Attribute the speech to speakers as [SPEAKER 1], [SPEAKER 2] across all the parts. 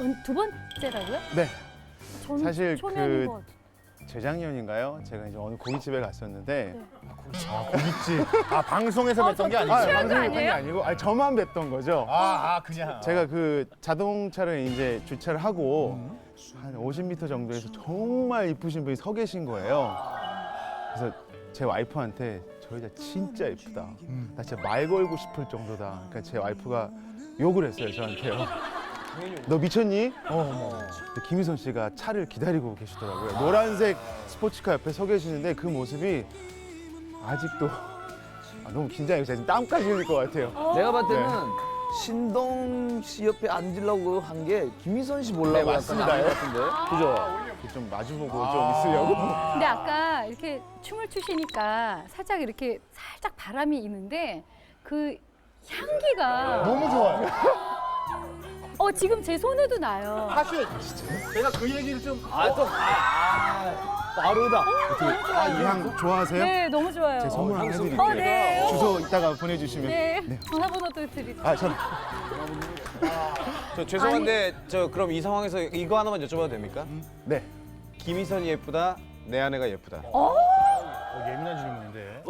[SPEAKER 1] 두 번째라고요?
[SPEAKER 2] 네.
[SPEAKER 1] 저는
[SPEAKER 2] 사실
[SPEAKER 1] 초면인
[SPEAKER 2] 그
[SPEAKER 1] 것 같아요.
[SPEAKER 2] 재작년인가요? 제가 이제 어느 고깃집에 갔었는데
[SPEAKER 3] 고깃집. 아, 방송에서 뵀던 게 아니고.
[SPEAKER 1] 취한 거
[SPEAKER 2] 방송에 한 게
[SPEAKER 1] 아니에요?
[SPEAKER 2] 아니고 저만 뵀던 거죠.
[SPEAKER 3] 그냥.
[SPEAKER 2] 제가 그 자동차를 이제 주차를 하고 한 50m 정도에서 정말 이쁘신 분이 서 계신 거예요. 그래서 제 와이프한테 저 여자 진짜 예쁘다. 나 진짜 말 걸고 싶을 정도다. 그러니까 제 와이프가 욕을 했어요, 저한테요. 너 미쳤니? 근데 김희선 씨가 차를 기다리고 계시더라고요. 노란색 스포츠카 옆에 서 계시는데 그 모습이 아직도 너무 긴장해서 지금 땀까지 흘릴 것 같아요.
[SPEAKER 4] 내가 봤을 때는 신동 씨 옆에 앉으려고 한 게 김희선 씨 보려고
[SPEAKER 2] 네,
[SPEAKER 4] 약간
[SPEAKER 2] 맞습니다.
[SPEAKER 4] 안것 같은데. 그죠?
[SPEAKER 2] 좀 마주보고 좀 있으려고.
[SPEAKER 1] 근데 아까 이렇게 춤을 추시니까 살짝 이렇게 살짝 바람이 있는데 그 향기가
[SPEAKER 3] 너무 좋아요.
[SPEAKER 1] 지금 제 손에도 나요.
[SPEAKER 3] 사실 제가 그 얘기를 좀
[SPEAKER 4] 빠르다.
[SPEAKER 2] 이 향 좋아하세요?
[SPEAKER 1] 네, 너무 좋아요.
[SPEAKER 2] 제 선물 하나 해드릴게요.
[SPEAKER 1] 네.
[SPEAKER 2] 주소 이따가 보내주시면.
[SPEAKER 1] 네, 전화번호도 드릴게요.
[SPEAKER 2] 저
[SPEAKER 5] 저 죄송한데 저 그럼 이 상황에서 이거 하나만 여쭤봐도 됩니까?
[SPEAKER 2] 네.
[SPEAKER 5] 김희선이 예쁘다, 내 아내가 예쁘다.
[SPEAKER 3] 예민한 질문인데.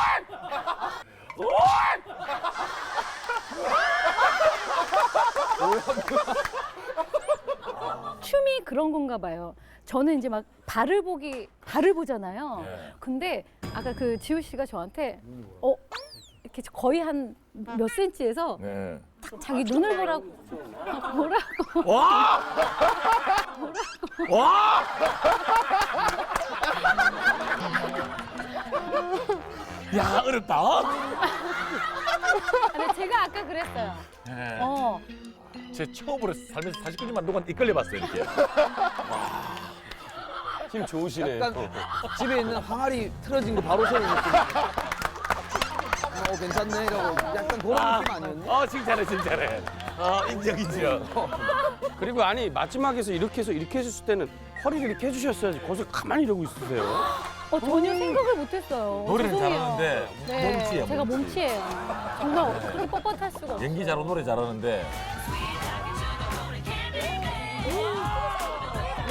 [SPEAKER 1] 춤이 그런 건가 봐요. 저는 이제 막 발을 보잖아요. 근데 아까 그 지우 씨가 저한테 이렇게 거의 한 몇 센치에서 자기 눈을 보라고
[SPEAKER 6] 야, 어렵다.
[SPEAKER 1] 근데 제가 아까 그랬어요.
[SPEAKER 6] 네. 제 처음으로 살면서 49년만 동안 이끌려 봤어요, 이렇게.
[SPEAKER 5] 힘 좋으시네.
[SPEAKER 4] 약간 집에 있는 항아리 틀어진 거 바로 세우는 느낌. 괜찮네 이러고 약간 그런 느낌 아니었니?
[SPEAKER 6] 칭찬해, 칭찬해. 인정, 인정.
[SPEAKER 7] 그리고 아니 마지막에서 이렇게 해서 이렇게 해줬을 때는 허리를 이렇게 해주셨어야지 거기서 가만히 이러고 있으세요.
[SPEAKER 1] 전혀 생각을 못했어요.
[SPEAKER 6] 노래는
[SPEAKER 1] 죄송해요.
[SPEAKER 6] 잘하는데
[SPEAKER 1] 네,
[SPEAKER 6] 몸치예요,
[SPEAKER 1] 제가
[SPEAKER 6] 몸치.
[SPEAKER 1] 몸치예요. 정말 그렇게 뻣뻣할 수가 없어요.
[SPEAKER 6] 연기 잘하고 노래 잘하는데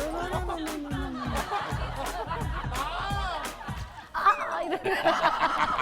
[SPEAKER 1] 이러면서